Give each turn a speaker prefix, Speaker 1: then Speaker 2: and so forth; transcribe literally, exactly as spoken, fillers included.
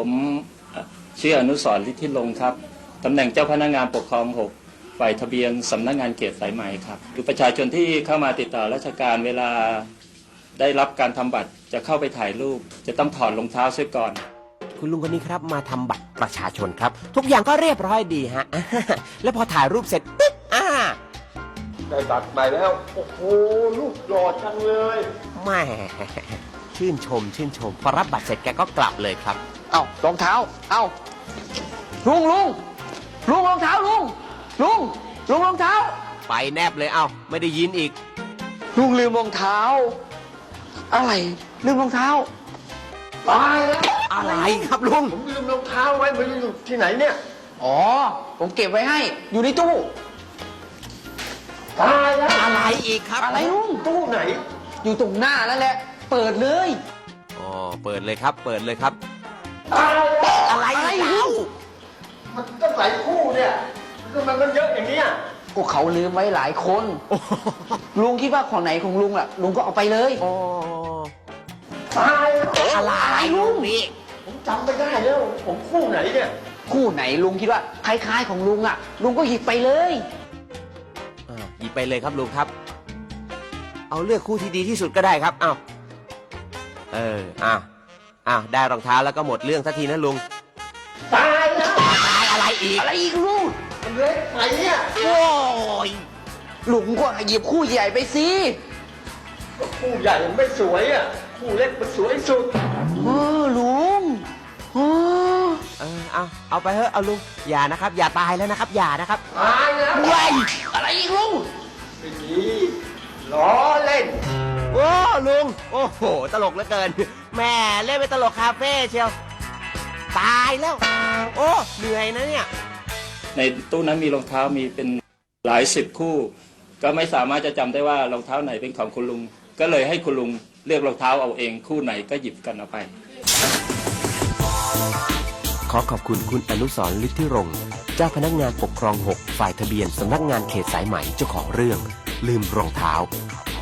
Speaker 1: ผมชื่ออนุสรณ์ ฤทธิรงค์ครับตำแหน่งเจ้าพนักงานปกครองหกฝ่ายทะเบียนสำนักงานเขตสายไหมครับคือประชาชนที่เข้ามาติดต่อราชการเวลาได้รับการทำบัตรจะเข้าไปถ่ายรูปจะต้องถอดรองเท้าเสียก่อน
Speaker 2: คุณลุงคนนี้ครับมาทำบัตรประชาชนครับทุกอย่างก็เรียบร้อยดีฮะ แล้วพอถ่ายรูปเสร็จปุ๊บอ่า
Speaker 3: ได้บัตรใหม่แล้วโอ้โหลูกหล่อจังเลย
Speaker 2: แม่ชื่นชมชื่นชมพอรับบัตรเสร็จแกก็กลับเลยครับ
Speaker 4: เอ้ารองเท้าเอ้าลุงลุงลุงรองเท้าลุงลุงลุงรองเท้า
Speaker 2: ไปแนบเลยเอ้าไม่ได้ยินอีก
Speaker 4: ลุงลืมรองเท้าอะไรลืมรองเท้าตายแล้ว
Speaker 2: อะไรครับลุง
Speaker 3: ผมลืมรองเท้าไว้ไม่รู้อยู่ที่ไหนเนี่ย
Speaker 4: อ๋อผมเก็บไว้ให้อยู่ในตู้
Speaker 3: ตายแล้ว
Speaker 2: อะไรอีกครับ
Speaker 4: อะไรลุง
Speaker 3: ตู้ไหน
Speaker 4: อยู่ตรงหน้านั่นแหละเปิดเลย
Speaker 2: อ๋อเปิดเลยครับเปิดเลยครับ
Speaker 3: ตายแล้ว
Speaker 2: อะไรแล้ว
Speaker 3: มันต้องหลายคู่เนี่ยทำไมมันเยอะอย่างนี้อ่ะ
Speaker 4: ก็เขาลืมไว้หลายคนลุงคิดว่าของไหนของลุงล่ะลุงก็เอาไปเลย
Speaker 2: อ๋อ
Speaker 3: ตายแล้ว
Speaker 2: อะไรลุงนี่
Speaker 3: ผมจำไม่ได้แล้วผมคู่ไหนเนี่ย
Speaker 4: คู่ไหนลุงคิดว่าคล้ายๆของลุงอ่ะลุงก็หยิบไปเลย
Speaker 2: หยิบไปเลยครับลุงครับเอาเลือกคู่ที่ดีที่สุดก็ได้ครับเอาเอออ่ะอ่ะได้รองเท้าแล้วก็หมดเรื่องสักทีนะลุง
Speaker 3: ตายแล้ว
Speaker 2: ตายอะไรอีก
Speaker 4: อะไรอีกลุง
Speaker 3: มันเล็กไปเนี่ย
Speaker 2: โอ้ย
Speaker 4: ลุงก็หยิบคู่ใหญ่ไปสิ
Speaker 3: คู่ใหญ่มันไม่สวยอ่ะคู่เล็กมันสวยสุด
Speaker 4: เออลุงเออ
Speaker 2: เออเอาเอาไปเถอะเอาลุงอย่านะครับอย่าตายแล้วนะครับอย่านะครับ
Speaker 3: ตายแล้ว
Speaker 4: ว้ายอะไรอีกลุง
Speaker 3: ไม่ดีล้อเล่น
Speaker 2: โอ้ลุงโอ้โหตลกเหลือเกินแม่เล่นไปตลกคาเฟ่เชียวตายแล้วโอ้เหนื่อยนะเนี่ย
Speaker 1: ในตู้นั้นมีรองเท้ามีเป็นหลายสิบคู่ก็ไม่สามารถจะจำได้ว่ารองเท้าไหนเป็นของคุณลุงก็เลยให้คุณลุงเลือกรองเท้าเอาเองคู่ไหนก็หยิบกันเอาไป
Speaker 2: ขอขอบคุณคุณอนุสรณ์ ฤทธิรงค์เจ้าพนักงานปกครองหกฝ่ายทะเบียนสำนักงานเขตสายไหมเจ้าของเรื่องลืมรองเท้า